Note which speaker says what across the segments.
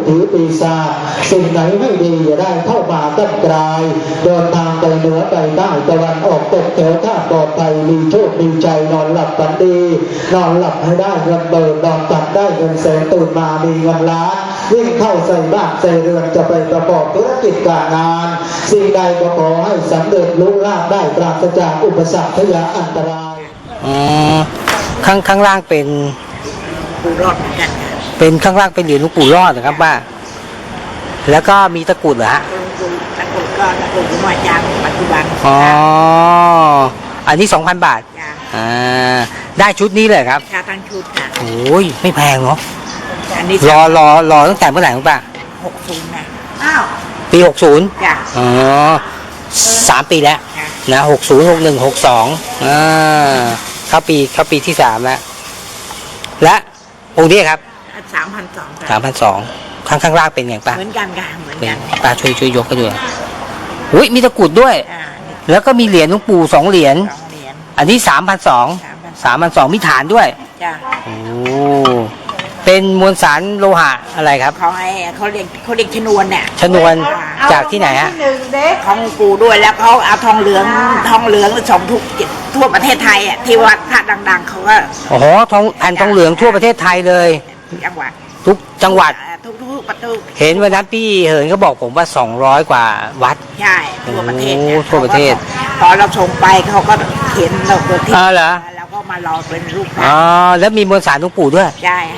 Speaker 1: ถีปีศาจสิ่งไหนไม่ดีอย่าได้เข้ามาตั้งกลายเดินทางไปเหนือไปใต้ตะวันออกตกแถวท่าปลอดภัยมีโชคมีใจนอนหลับฝันดีนอนหลับให้ได้เงินเบิกนอนตัดได้เงินแสนตื่นมามีเงินล้านวิ่งเข้าใส่บ้านใส่เรือนจะไปประกอบธุรกิจการงานสิ่งใดก็ขอให้สำเร็จลุล่าภได้ปราศจากอุปสรรคพยาอันตราย
Speaker 2: ข้างล่างเป็น
Speaker 3: ปู่รอดเหมือนกัน
Speaker 2: เป็นข้างล่างเป็นเหรียญหลวงปู่รอดนะครับป้าแล้วก็มีตะกรุดเหรอฮะ
Speaker 3: ตะกรุดก็ตะกรุดหน่วยจางปัจจุบัน
Speaker 2: อันนี้ 2,000 บาทได้ชุดนี้เลยครับ
Speaker 3: ค่าทั้งชุดค่ะ
Speaker 2: โอ้ยไม่แพงเนาะ
Speaker 3: อันนี้
Speaker 2: รอตั้งแต่เมื่อไหร่ครับป้า
Speaker 3: 60นะ
Speaker 2: ปี60
Speaker 3: จ้ะ
Speaker 2: 3 ปีแล้วนะ60 61 62เข้าปีที่3แล้วและองค์นี้ครับ
Speaker 3: 3,200
Speaker 2: ข้างล่างเป็นอย่างป้า
Speaker 3: เหมือนกันค่ะเหมือนกัน
Speaker 2: ป้าช่วยยกกันด้วยอุ้ยมีตะกรุดด้วยแล้วก็มีเหรียญหลวงปู่2 เหรียญอันนี้3,200มีฐานด้วย
Speaker 3: จ้ะ
Speaker 2: โอ้เป็นมวลสารโลหะอะไรครับ
Speaker 3: เขาเรียกชนวนเนี่ย
Speaker 2: ชนวนจากที่ไหนฮะ
Speaker 3: ของปู่ด้วยแล้วเขาเอาทองเหลืองส่งทั่วประเทศไทยอ่ะที่วัดพระดังๆเขาก็
Speaker 2: โอ้โหแผ่นทองเหลืองทั่วประเทศไทยเลย
Speaker 3: จังหวัด
Speaker 2: ทุกจังหวัด
Speaker 3: ทุกประตู
Speaker 2: เห็นวันนั้นพี่เหินก็บอกผมว่า200 กว่าวัด
Speaker 3: ใช่ทั่วประเทศ
Speaker 2: ทั่วประเทศ
Speaker 3: พอเราส่งไปเขาก็เขียนเราตัวที่
Speaker 2: เหรอ
Speaker 3: แล้วก็มารอเป็นรูป
Speaker 2: แล้วมีมวลสารหลวงปู่ด้วย
Speaker 3: ใช่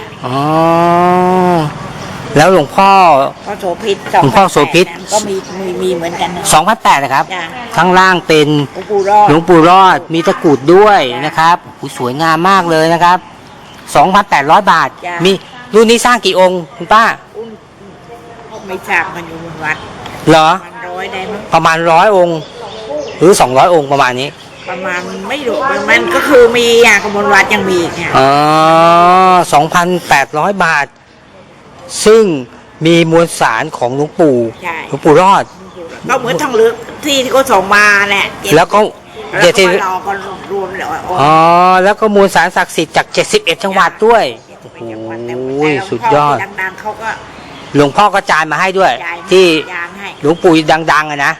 Speaker 2: แล้วหลวงพ่อ
Speaker 3: โสภิตก็มีเหมือนกัน
Speaker 2: 2,800นะครับข้างล่างเป็นหลวงปู่รอดมีตะกรุดด้วยนะครับสวยงามมากเลยนะครับ 2,800 บาทมีรุ่นนี้สร้างกี่องค์คุณป้า
Speaker 3: ไม่ทราบมันอยู่บนวัด
Speaker 2: เหรอ
Speaker 3: ประมาณ
Speaker 2: 100 องค์หรือ200 องค์ประมาณนี้
Speaker 3: ประมาณไม่รู้มันก็คือมีกบนวัดยังมีค่ะ
Speaker 2: 2,800 บาทซึ่งมีมวลสารของหลวงปู่รอด
Speaker 3: ก็เหมือนทองเหลืองที่เขาส่งมาแหละ
Speaker 2: แล้วก็
Speaker 3: รอก็รวมแล้ว
Speaker 2: แล้วก็มวลสารศักดิ์สิทธิ์จาก71 จังหวัดด้วยโอ้ยสุดยอด
Speaker 3: ดังๆเขาก็
Speaker 2: หลวงพ่อก็จานมาให้ด้วยที่หลวงปู่ดังๆนะ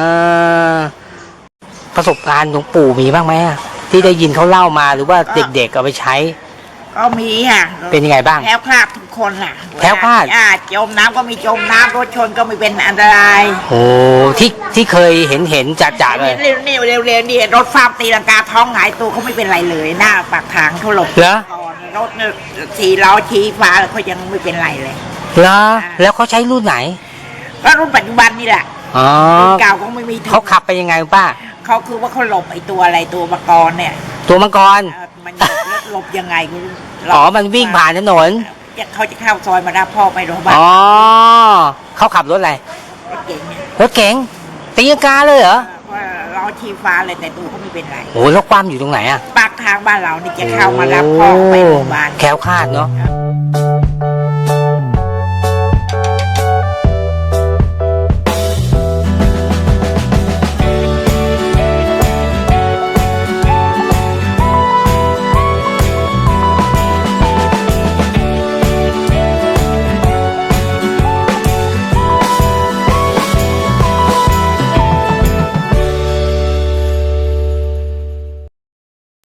Speaker 2: ประสบการณ์หลวงปู่มีบ้างไหมที่ได้ยินเขาเล่ามาหรือว่าเด็กๆเอาไปใช้
Speaker 3: ก็มีค่ะ
Speaker 2: เป็นยังไงบ้าง
Speaker 3: แคล้วคลาดทุกคนล่ะ
Speaker 2: แคล้วคลาด
Speaker 3: จมน้ำก็มีจมน้ำรถชนก็ไม่เป็นอันตราย
Speaker 2: โอ้ที่เคยเห็นจ่าเลย
Speaker 3: นี่เร็วๆนี่รถฟาร์มตีลังกาท้องหงายตัวเขาไม่เป็นไรเลยหน้าปากทางเขาหลบ
Speaker 2: เหรอ
Speaker 3: รถ4 ล้อชี้ฟ้าเขายังไม่เป็นไรเลย
Speaker 2: เหรอแล้วเขาใช้รุ่นไหน
Speaker 3: ก็รุ่นปัจจุบันนี่แหละรุ่นเก่าเขาไม่มี
Speaker 2: เขาขับไปยังไงป้า
Speaker 3: เขาคือว่าเขาหลบไอ้ตัวอะไรตัวมังกรเนี่ย
Speaker 2: ตัวมังกร
Speaker 3: มันหลบยังไง
Speaker 2: มันวิ่งผ่านถนน
Speaker 3: เขาจะเข้าซอยมารับพ่อไปโรงพยาบาล
Speaker 2: เขาขับรถอะไรรถเก๋งตีลังกาเลยเหรอ
Speaker 3: เราชี้ฟ้าเลยแต่ตัวเขาไม่เป็นไร
Speaker 2: โอ้แล้วความอยู่ตรงไหนอะ
Speaker 3: ปากทางบ้านเรานี่จะเข้ามารับพ่อไปโรงพยาบาล
Speaker 2: แคล้วคลาดเนาะ